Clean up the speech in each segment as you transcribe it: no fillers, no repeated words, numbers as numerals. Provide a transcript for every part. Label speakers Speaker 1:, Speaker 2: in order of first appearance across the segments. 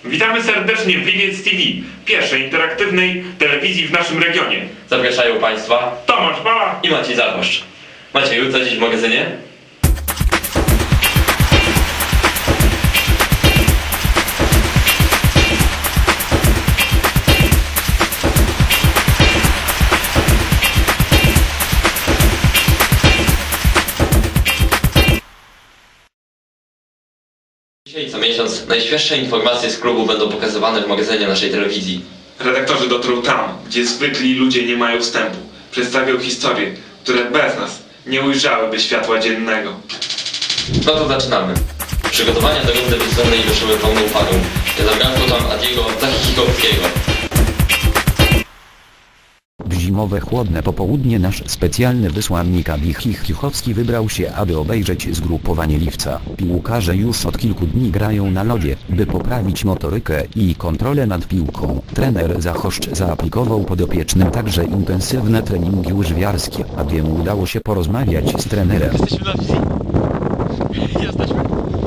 Speaker 1: Witamy serdecznie w Liwiec TV, pierwszej interaktywnej telewizji w naszym regionie.
Speaker 2: Zapraszają Państwa
Speaker 1: Tomasz Bala
Speaker 2: i Maciej Zachoszcz. Macieju, co dziś w magazynie? Dzisiaj co miesiąc najświeższe informacje z klubu będą pokazywane w magazynie naszej telewizji.
Speaker 1: redaktorzy dotrą tam, gdzie zwykli ludzie nie mają wstępu. Przedstawią historie, które bez nas nie ujrzałyby światła dziennego.
Speaker 2: No to zaczynamy. Przygotowania do rundy wiosenne ruszyły pełną parą. Nie zabrakło tam Adiego Zachikowskiego.
Speaker 3: W zimowe chłodne popołudnie nasz specjalny wysłannik Adi Chichowski wybrał się, aby obejrzeć zgrupowanie Liwca. Piłkarze już od kilku dni grają na lodzie, by poprawić motorykę i kontrolę nad piłką. Trener Zachoszcz zaaplikował podopiecznym także intensywne treningi łyżwiarskie. Adiemu udało się porozmawiać z trenerem.
Speaker 4: Jesteśmy na wizji. Jesteśmy.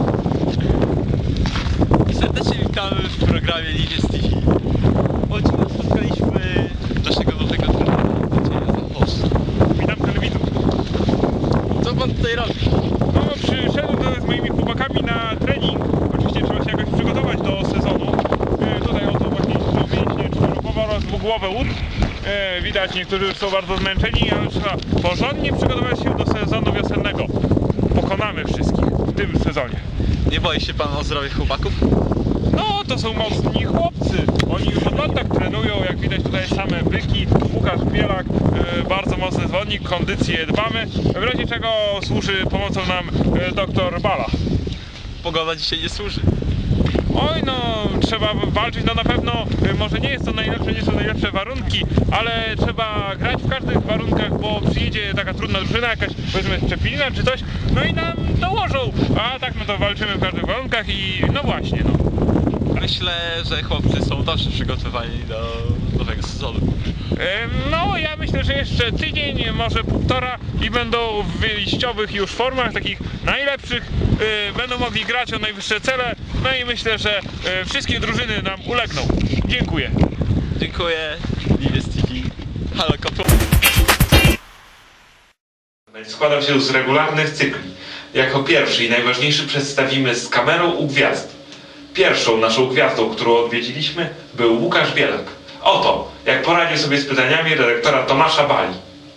Speaker 4: I serdecznie witamy w programie Liwiec TV. Odcinek spotkaliśmy naszego nowego trenera, Macieja Zachoszcza.
Speaker 1: Witam telewizor.
Speaker 4: Co pan tutaj robi?
Speaker 1: No, przyszedłem z moimi chłopakami na trening. Oczywiście trzeba się jakoś przygotować do sezonu. Tutaj oto właśnie mięśnie czworopowa oraz dwugłowe łód. Widać, niektórzy już są bardzo zmęczeni, ale trzeba porządnie przygotować się do sezonu wiosennego. Pokonamy wszystkich w tym sezonie.
Speaker 4: Nie boi się pan o zdrowie chłopaków?
Speaker 1: No, to są mocni chłopcy. Oni już od lat tak trenują, jak widać tutaj same byki. Łukasz Bielak, bardzo mocny zawodnik, kondycję dbamy. W razie czego służy pomocą nam doktor Bala.
Speaker 4: Pogoda dzisiaj nie służy.
Speaker 1: Oj, no, trzeba walczyć, no na pewno, może nie jest to najlepsze, nie są najlepsze warunki, ale trzeba grać w każdych warunkach, bo przyjedzie taka trudna drużyna, jakaś, powiedzmy, Szczepina czy coś, no i nam dołożą, a tak no to walczymy w każdych warunkach i no właśnie, no.
Speaker 4: Myślę, że chłopcy są dobrze przygotowani do nowego sezonu.
Speaker 1: No, ja myślę, że jeszcze tydzień, może półtora i będą w wyjściowych już formach, takich najlepszych, będą mogli grać o najwyższe cele, no i myślę, że wszystkie drużyny nam ulegną. Dziękuję.
Speaker 4: Dziękuję. Liwiec TV. Halo, kopło.
Speaker 1: Składał się z regularnych cykli. Jako pierwszy i najważniejszy przedstawimy Z kamerą u gwiazd. Pierwszą naszą gwiazdą, którą odwiedziliśmy, był Łukasz Bielak. Oto, jak poradził sobie z pytaniami redaktora Tomasza Bali.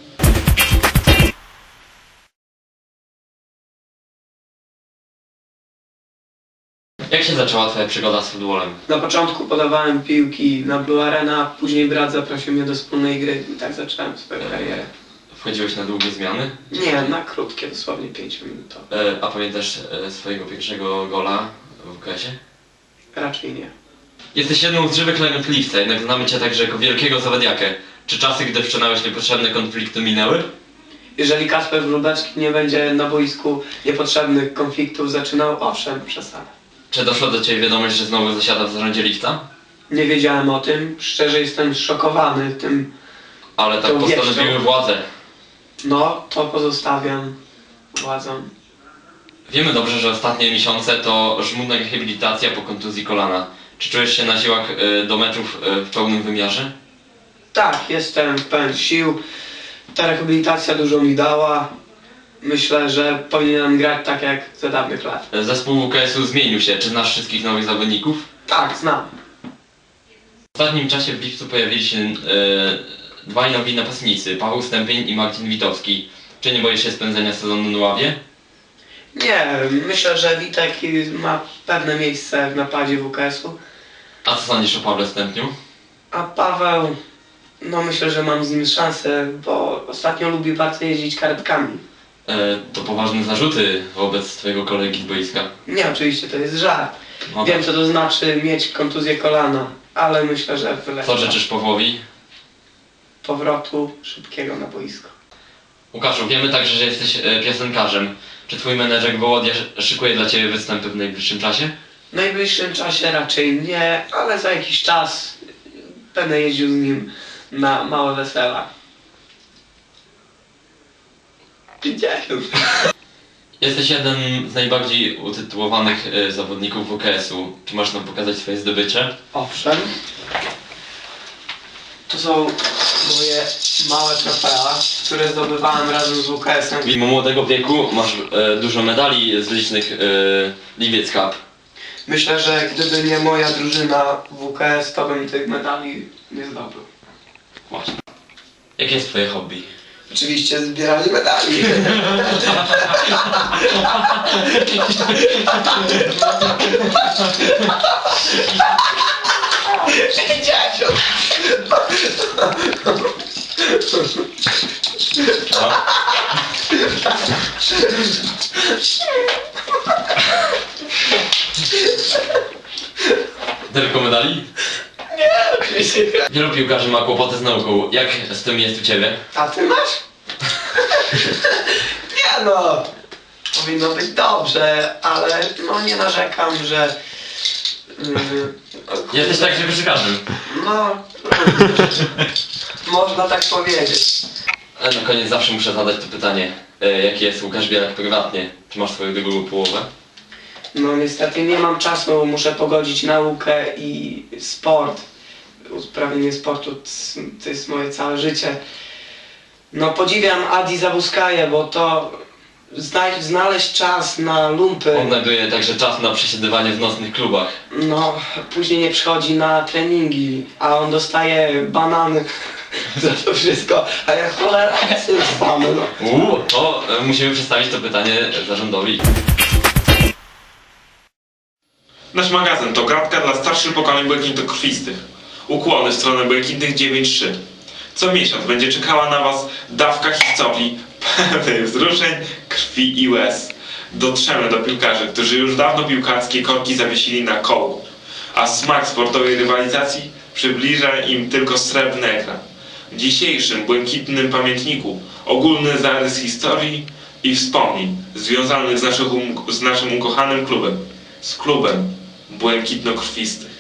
Speaker 2: Jak się zaczęła Twoja przygoda z futbolem?
Speaker 5: Na początku podawałem piłki na Blue Arena, później brat zaprosił mnie do wspólnej gry i tak zacząłem swoją karierę.
Speaker 2: Wchodziłeś na długie zmiany?
Speaker 5: Nie, na krótkie, dosłownie 5 minutowe.
Speaker 2: A pamiętasz swojego pierwszego gola w WKS-ie?
Speaker 5: Raczej nie.
Speaker 2: Jesteś jedną z żywych legend Liwca, jednak znamy Cię także jako wielkiego zawadiakę. Czy czasy, gdy wszczynałeś niepotrzebne konflikty, minęły?
Speaker 5: Jeżeli Kasper Wróbeczki nie będzie na boisku niepotrzebnych konfliktów zaczynał, owszem, przesadę.
Speaker 2: Czy doszła do Ciebie wiadomość, że znowu zasiada w zarządzie Liwca?
Speaker 5: Nie wiedziałem o tym, szczerze jestem zszokowany tym.
Speaker 2: Ale tak
Speaker 5: To
Speaker 2: postanowiły
Speaker 5: wieścią.
Speaker 2: władze.
Speaker 5: No, to pozostawiam władzom.
Speaker 2: Wiemy dobrze, że ostatnie miesiące to żmudna rehabilitacja po kontuzji kolana. Czy czujesz się na siłach do meczów w pełnym wymiarze?
Speaker 5: Tak, jestem pełen sił. Ta rehabilitacja dużo mi dała. Myślę, że powinienem grać tak jak za dawnych lat.
Speaker 2: Zespół WKS-u zmienił się. Czy znasz wszystkich nowych zawodników?
Speaker 5: Tak, znam.
Speaker 2: W ostatnim czasie w Liwcu pojawili się dwaj nowi napastnicy, Paweł Stępień i Marcin Witowski. Czy nie boisz się spędzenia sezonu na ławie?
Speaker 5: Nie, myślę, że Witek ma pewne miejsce w napadzie WKS-u.
Speaker 2: A co sądzisz o Pawle Stępniu?
Speaker 5: A Paweł, no myślę, że mam z nim szansę, bo ostatnio lubi bardzo jeździć karetkami.
Speaker 2: To poważne zarzuty wobec twojego kolegi z boiska.
Speaker 5: Nie, oczywiście to jest żart.
Speaker 2: No
Speaker 5: Wiem,
Speaker 2: tak.
Speaker 5: co to znaczy mieć kontuzję kolana, ale myślę, że
Speaker 2: Co
Speaker 5: wyleczy
Speaker 2: życzysz Pawłowi?
Speaker 5: powrotu szybkiego na boisko.
Speaker 2: Łukaszu, wiemy także, że jesteś piosenkarzem. Czy twój menedżer Wołodia szykuje dla ciebie występy w najbliższym czasie?
Speaker 5: W najbliższym czasie raczej nie, ale za jakiś czas będę jeździł z nim na małe wesela. 50.
Speaker 2: Jesteś jeden z najbardziej utytułowanych zawodników WKS-u. Czy możesz nam pokazać swoje zdobycze?
Speaker 5: Owszem. To są moje małe trofea, które zdobywałem razem z WKS-em.
Speaker 2: Mimo młodego wieku masz dużo medali z licznych Liwiec Cup.
Speaker 5: Myślę, że gdyby nie moja drużyna WKS, to bym tych medali nie zdobył.
Speaker 2: Właśnie. Jakie jest twoje hobby?
Speaker 5: Oczywiście zbierali medali. Dziadzio!
Speaker 2: Tylko medali?
Speaker 5: Oczywiście.
Speaker 2: Wielu piłkarzy ma kłopoty z nauką. Jak z tym jest u ciebie?
Speaker 5: A ty masz? Nie no! Powinno być dobrze, ale no nie narzekam, że...
Speaker 2: Jesteś tak, że koszykarzem.
Speaker 5: No... można tak powiedzieć.
Speaker 2: Ale na koniec zawsze muszę zadać to pytanie. Jaki jest Łukasz Bielak prywatnie? Czy masz swoją drugą połowę?
Speaker 5: No niestety nie mam czasu, muszę pogodzić naukę i sport. Uprawianie sportu to jest moje całe życie. No podziwiam Adi Zawuskaję, bo to znaleźć czas na lumpy,
Speaker 2: On znajduje także czas na przesiedywanie w nocnych klubach.
Speaker 5: no później nie przychodzi na treningi, a on dostaje banany za to wszystko, a ja cholera sam, no.
Speaker 2: To musimy przedstawić to pytanie zarządowi.
Speaker 1: Nasz magazyn to gratka dla starszych pokoleń błękitokrwistych. Ukłony w stronę Błękitnych 9.3. Co miesiąc będzie czekała na Was dawka historii pełnych wzruszeń, krwi i łez. Dotrzemy do piłkarzy, którzy już dawno piłkarskie korki zawiesili na kołku, a smak sportowej rywalizacji przybliża im tylko srebrny ekran. W dzisiejszym błękitnym pamiętniku ogólny zarys historii i wspomnień związanych z naszym ukochanym klubem, z klubem błękitnokrwistych.